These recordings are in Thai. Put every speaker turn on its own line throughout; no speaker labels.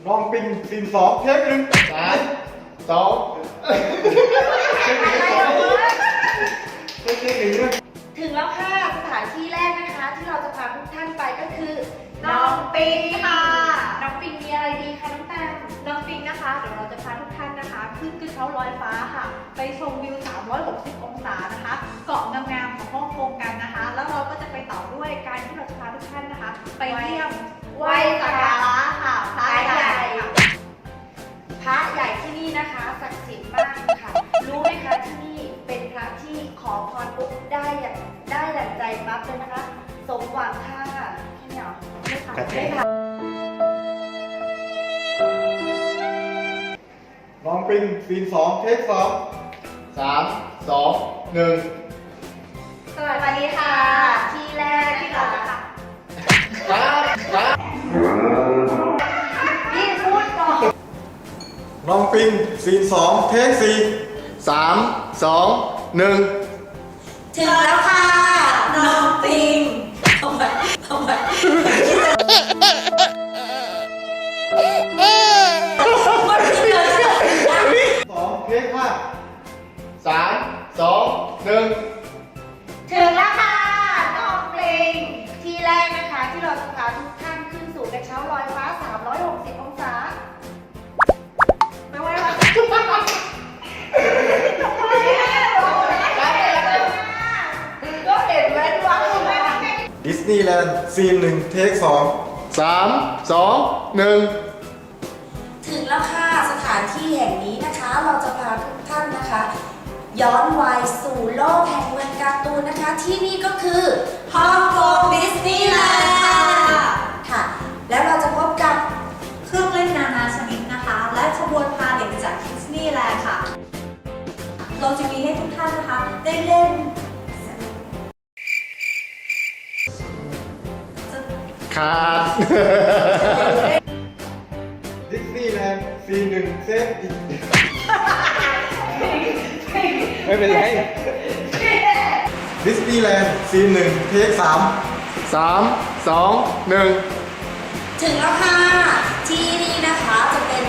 ลองปิงซีน2เทคหนึ่ง3 2เทคหนึ่งนะ
ถึงแล้วค่ะสถานที่แรกนะคะที่เราจะพาทุกท่านไปก็คือน้องปิงค่ะน้องปิงมีอะไรดีคะน้องแตมน้องปิงนะคะเดี๋ยวเราจะพาทุกท่านนะคะขึ้นกระเช้าลอยฟ้าค่ะไปชมวิว360องศานะคะเกาะงามๆของฮ่องกงกันนะคะแล้วเราก็จะไปต่อด้วยการที่เราจะพาทุกท่านนะคะไปเยี่ยมไหว้สักการะค่ะพระใหญ่พระใหญ่ที่นี่นะคะศักดิ์สิทธิ์มากค่ะรู้ไหมคะที่นี่เป็นพระที่ขอพรปุ๊บได้ดั่งใจปั๊บเลยนะคะสมหวังค่ะแค่นี้เหรอไม่ผ่านไม่ผ่าน
ลองปิงซีน2เทค2 3 2 1
สวัสดีค่ะที่แรกที่เราจะค่ะพี่พูดก่อน
ลองปิงซีน2เทค4 3 2 1
ถึงแล้วค่ะน้องปิงทำไม2
เทค5 3 2 1
ถึงแล้วค่ะน้องปิงที่แรกนะคะที่เราจะพาทุกท่านขึ้นสู่กระเช้าลอยฟ้า360องศาไม่ไหวแล้วก็เห็นแว่นว่า
ดิสนีย์แลนด์ซีน1เทค2 3 2 1
ถึงแล้วค่ะสถานที่แห่งนี้นะคะเราจะพาทุกท่านนะคะย้อนวัยสู่โลกแห่งเมืองการ์ตูนนะคะที่นี่ก็คือฮ่องกงดิสนีย์แลนด์ค่ะแล้วเราจะพบกับ
เครื่องเล่นนานาชนิดนะคะและขบวนพาเด็กจากดิสนีย์แลนด์ค่ะเราจะมีให้ทุกท่านนะคะได้เล่น
ขาดดิสนีย์แลนด์ซีน1เซฟอีกไม่เป็นไรดิสนีย์แลนด์ซีน1เทค3 3 2 1
ถึงแล้วค่ะที่นี่นะคะจะเป็น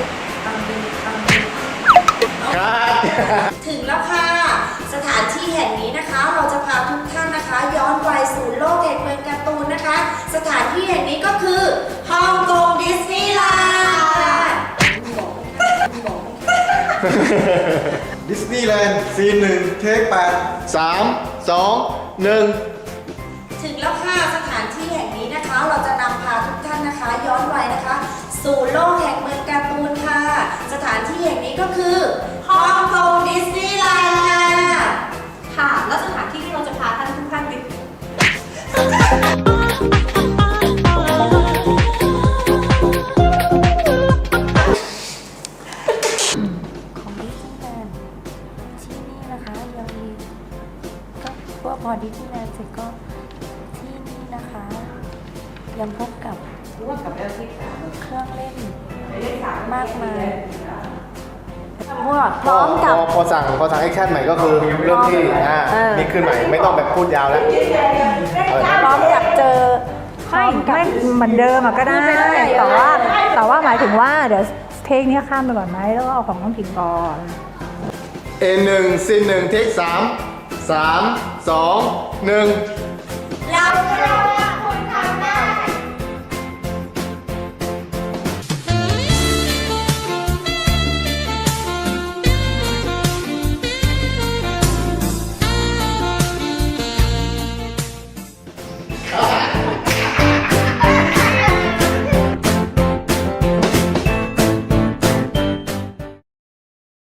ถึงแล้วค่ะสถานที่แห่งนี้นะคะเราจะพาทุกท่านนะคะย้อนวัยสู่โลกแห่งเมืองการ์ตูนนะคะสถานที่แห่งนี้ก็คือฮ่องกงดิสนีย์แลนด์
ดิสนีย์แลนด์ซีน1เทค8 3 2 1
ถึงแล้วค่ะสถานที่แห่งนี้นะคะเราจะนำพาทุกท่านนะคะย้อนวัยนะคะสู่โลกแห่งเมืองการ์ตูนค่ะสถานที่แห่งนี้ก็คือฮ่องกงดิสนีย์แลนด์
ค่ะแล้วสถานที่ที่เราจะพาท่านทุกท่านไป
ของดิสนีย์แลนด์ที่นี่นะคะยังมีก็พอดิสนีย์แลนด์เสร็จก็ที่นี่นะคะยังพบกับเครื่องเล่นมากมายพร้อมกับ
พอสั่งแอคชั่นใหม่ก็คือเริ่มที่นี่ขึ้นใหม่ไม่ต้องแบบพูดยาวแล้ว
พร้อมกับเจอ
ไม่เหมือนเดิมก็ได้แต่ว่าหมายถึงว่าเดี๋ยวเทคนี้ข้ามไปก่อนไหมแล้วก็เอาของน้องกิ่งก่อน
A1 ซีน1เทค3 3 2 1